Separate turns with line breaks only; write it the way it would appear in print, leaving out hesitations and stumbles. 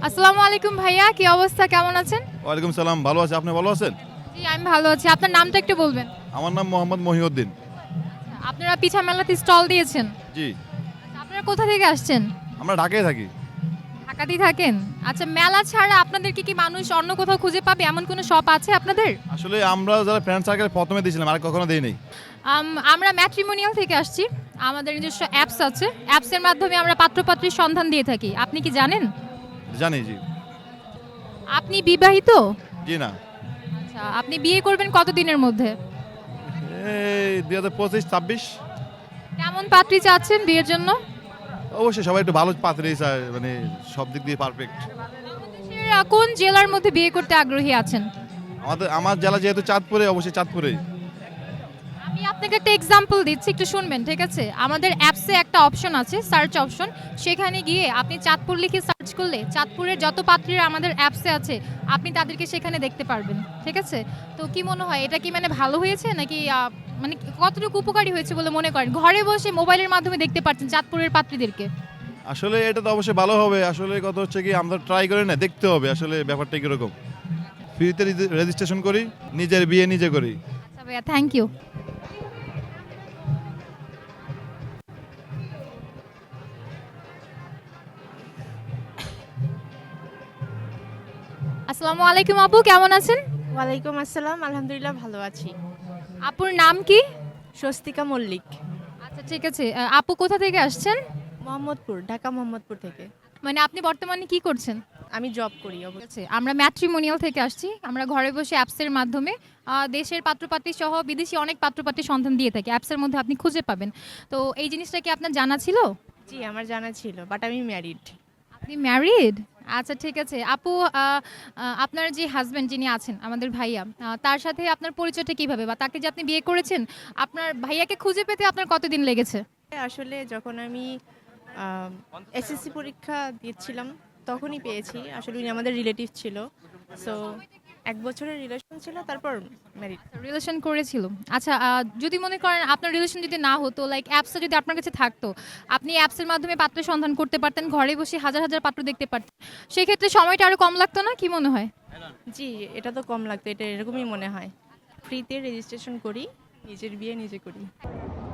আসসালামু আলাইকুম ভাইয়া, কি অবস্থা, কেমন আছেন?
ওয়ালাইকুম সালাম, ভালো আছি। আপনি ভালো আছেন?
জি, আমি ভালো আছি। আপনার নামটা একটু বলবেন?
আমার নাম মোহাম্মদ মহিউদ্দিন।
আপনারা পিঠা মেলাতে স্টল দিয়েছেন?
জি,
আপনারা কোথা থেকে আসছেন?
আমরা ঢাকায় থাকি।
ঢাকাতেই থাকেন? আচ্ছা, মেলা ছাড়া আপনাদেরকে কি মানুষ অন্য কোথাও খুঁজে পাবে, এমন কোনো শপ আছে আপনাদের?
আসলে আমরা যারা ফ্রেন্ড সার্কেল প্রথমে দিয়েছিলাম, আর কখনো দেই নাই।
আমরা ম্যাট্রিমোনিয়াল থেকে আসছি। আমাদের নিজস্ব অ্যাপস আছে। অ্যাপসের মাধ্যমে আমরা পাত্রপাত্রীর সন্ধান দিয়ে থাকি। আপনি কি জানেন?
জানি, জি।
আপনি বিবাহিত?
জি না,
আচ্ছা, আপনি বিয়ে করবেন কতদিনের মধ্যে?
এই 2025-26।
কেমন পাত্রী চাচ্ছেন বিয়ের জন্য?
অবশ্যই সবাই একটু ভালো পাত্রী চায়, মানে সব দিক দিয়ে পারফেক্ট।
দেশের কোন জেলার মধ্যে বিয়ে করতে আগ্রহী আছেন?
আমার জেলা যেহেতু চাঁদপুরে, অবশ্যই চাঁদপুরেই।
আমি আপনাকে একটা এক্সাম্পল দিচ্ছি, একটু শুনবেন, ঠিক আছে? আমাদের অ্যাপসে একটা অপশন আছে, সার্চ অপশন। সেখানে গিয়ে আপনি চাঁদপুর লিখে সার্চ করলে চাঁদপুরের যত পাত্রীরা আমাদের অ্যাপসে আছে আপনি তাদেরকে সেখানে দেখতে পারবেন, ঠিক আছে? তো কি মনে হয়, এটা কি মানে ভালো হয়েছে নাকি মানে কতটুকু উপকারী হয়েছে বলে মনে করেন? ঘরে বসে মোবাইলের মাধ্যমে দেখতে পাচ্ছেন চাঁদপুরের পাত্রীদেরকে।
আসলে এটা তো অবশ্যই ভালো হবে। আসলে কথা হচ্ছে কি, আমরা ট্রাই করে না, দেখতে হবে আসলে ব্যাপারটা কিরকম। ফ্রিতে রেজিস্ট্রেশন করি, নিজের বিয়ে নিজে করি।
আচ্ছা ভাইয়া, থ্যাংক ইউ। আসসালামু আলাইকুম আপু, কেমন আছেন?
ওয়ালাইকুম আসসালাম, আলহামদুলিল্লাহ ভালো আছি।
আপুর নাম কি?
স্বস্তিকা মল্লিক,
আচ্ছা ঠিক আছে। আপু কোথা থেকে আসছেন?
মোহাম্মদপুর, ঢাকা মোহাম্মদপুর থেকে।
মানে আপনি বর্তমানে কি করছেন?
আমি জব করি
ঠিক আছে, আমরা ম্যাট্রিমোনিয়াল থেকে আসছি। আমরা ঘরে বসে অ্যাপসের মাধ্যমে দেশের পাত্রপাত্রী সহ বিদেশি অনেক পাত্রপাত্রীর সন্ধান দিয়ে থাকি। অ্যাপসের মধ্যে আপনি খুঁজে পাবেন। তো এই জিনিসটা কি আপনার জানা ছিল?
জি, আমার জানা ছিল, বাট আমি ম্যারিড।
আপনি ম্যারিড? আচ্ছা ঠিক আছে। আপু, আপনার যে হাজবেন্ড যিনি আছেন, আমাদের ভাইয়া, তার সাথে আপনার পরিচয়টা কিভাবে, বা তাকে যে আপনি বিয়ে করেছেন, আপনার ভাইয়াকে খুঁজে পেতে আপনার কতদিন লেগেছে?
আসলে যখন আমি এসএসসি পরীক্ষা দিচ্ছিলাম তখনই পেয়েছি। আসলে উনি আমাদের রিলেটিভ ছিল। সো 1 বছরের রিলেশন ছিল, তারপর ম্যারিড।
রিলেশন করেছিল। আচ্ছা, যদি মনে করেন আপনার রিলেশন যদি না হতো, লাইক অ্যাপসটা যদি আপনার কাছে থাকতো, আপনি অ্যাপসের মাধ্যমে পাত্রের সন্ধান করতে পারতেন, ঘরে বসে হাজার হাজার পাত্র দেখতে পারতেন, সেক্ষেত্রে সময়টা আরো কম লাগতো না? কি মনে হয়?
জি, এটা তো কম লাগতো, এটা এরকমই মনে হয়। ফ্রিতে রেজিস্ট্রেশন করি, নিজের বিয়ে নিজে করি।